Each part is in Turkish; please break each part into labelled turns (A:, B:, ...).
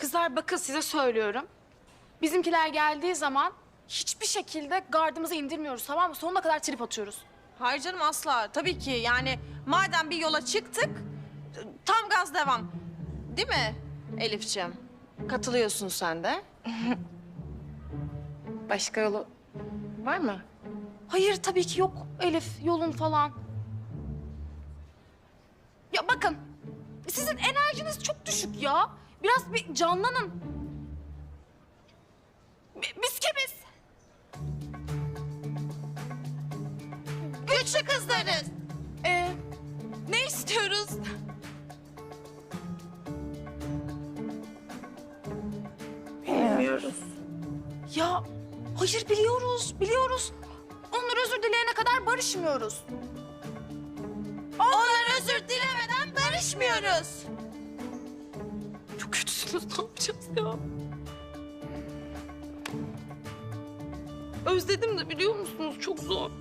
A: Kızlar bakın size söylüyorum. Bizimkiler geldiği zaman hiçbir şekilde gardımızı indirmiyoruz, tamam mı? Sonuna kadar trip atıyoruz.
B: Hayır canım asla. Tabii ki yani madem bir yola çıktık tam gaz devam. Değil mi Elifciğim? Katılıyorsun sen de.
A: Başka yolu var mı? Hayır tabii ki yok Elif, yolun falan. Ya bakın, sizin enerjiniz çok düşük ya. Biraz bir canlanın. Biz kimiz?
B: Güçlü kızlarız.
A: Ne istiyoruz?
B: Bilmiyoruz.
A: Ya hayır biliyoruz. Onlar özür dileyene kadar barışmıyoruz.
B: Onlar özür dilemeden barışmıyoruz.
A: Çok kötüsünüz, ne yapacağız ya? Özledim de biliyor musunuz, çok zor.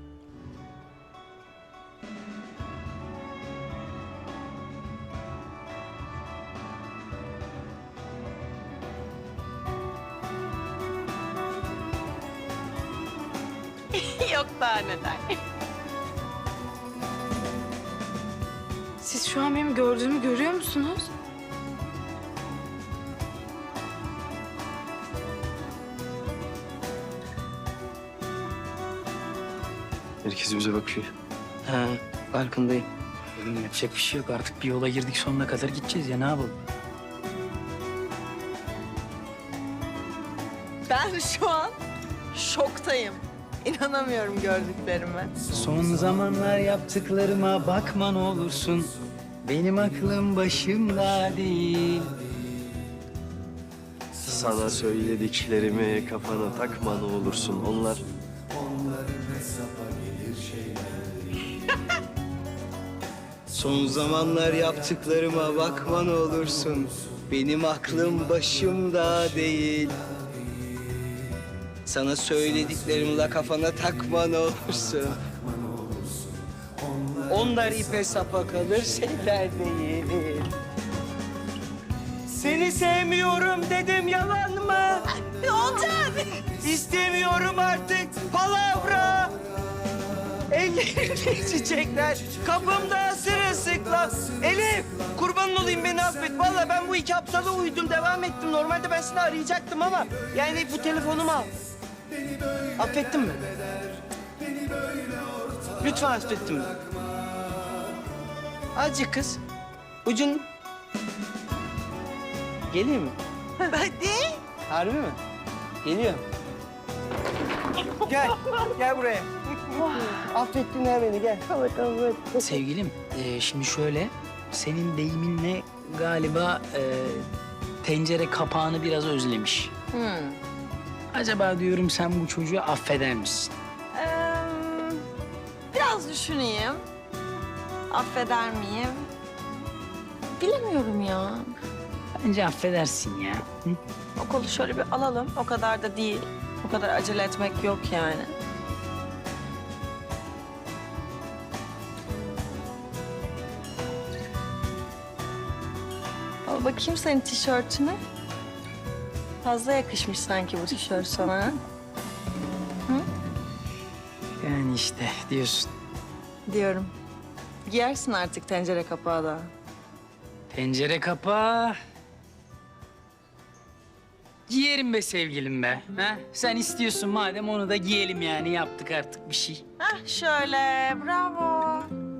B: Yok daha neler.
A: Siz şu an benim gördüğümü görüyor musunuz?
C: Herkes bize bakıyor.
D: Ha, farkındayım. Oğlum yapacak bir şey yok. Artık bir yola girdik, sonuna kadar gideceğiz ya. Ne yapalım?
B: Ben şu an şoktayım. İnanamıyorum gördüklerime.
D: Son zamanlar yaptıklarıma bakma ne olursun. Benim aklım başımda değil.
C: Sana söylediklerimi kafana takma ne olursun. Onlar
D: Son zamanlar yaptıklarıma bakma ne olursun. Benim aklım başımda değil. Sana söylediklerimle kafana takma ne olursun. Onlar ipe sapa kalır, şeyler değil. Seni sevmiyorum dedim, yalan mı?
B: Olacak.
D: İstemiyorum artık palavra. Ellerimde çiçekler, kapımda sırılsıklam. Elif, kurbanın olayım beni affet. Vallahi ben bu iki aptala uydum, devam ettim. Normalde ben seni arayacaktım ama... Yani bu telefonumu al. Affettin mi? Lütfen affettin mi? Azıcık kız. Ucun... Geleyim mi?
B: Hadi.
D: Harbi mi? Geliyorum. Gel buraya. Affettin ya beni, gel. Sevgilim, şimdi şöyle, senin deyiminle galiba tencere kapağını biraz özlemiş. Acaba diyorum sen bu çocuğu affeder misin?
B: Biraz düşüneyim. Affeder miyim? Bilemiyorum ya.
D: Bence affedersin ya. Hı?
B: O kolu şöyle bir alalım. O kadar da değil. O kadar acele etmek yok yani. Al bakayım senin tişörtüne. Fazla yakışmış sanki bu tişört sana.
D: Yani işte diyorsun.
B: Diyorum. Giyersin artık tencere kapağı da.
D: Tencere kapağı... Giyerim be sevgilim be. Ha? Sen istiyorsun madem onu da giyelim yani. Yaptık artık bir şey.
B: Hah şöyle, bravo.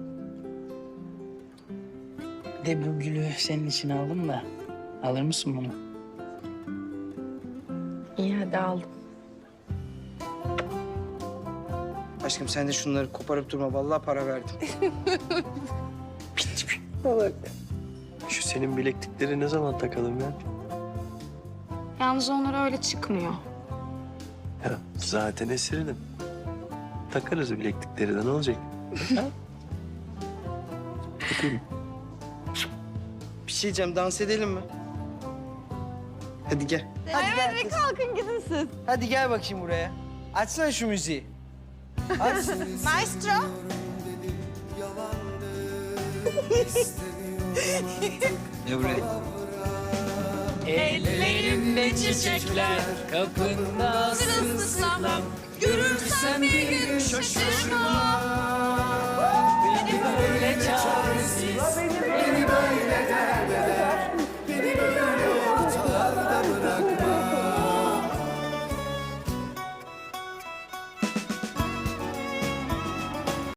D: Bir de bu gülü senin için aldım da. Alır mısın bunu?
B: İyi hadi aldım.
E: Aşkım sen de şunları koparıp durma. Vallahi para verdim.
C: şu senin bileklikleri ne zaman takalım ya?
A: Yalnız onlar öyle çıkmıyor.
C: Ya zaten esirinim. Takarız bileklikleri de ne olacak? Takayım.
E: Bir şey diyeceğim. Dans edelim mi? Hadi gel. Hadi gel kız.
B: Kalkın gidin siz.
E: Hadi gel bakayım buraya. Açsana şu müziği. Aç.
B: Maestro.
D: Ne buraya? Ellerimde çiçekler, kapında sırılsıklam. Görürsem bir gün şaşırma.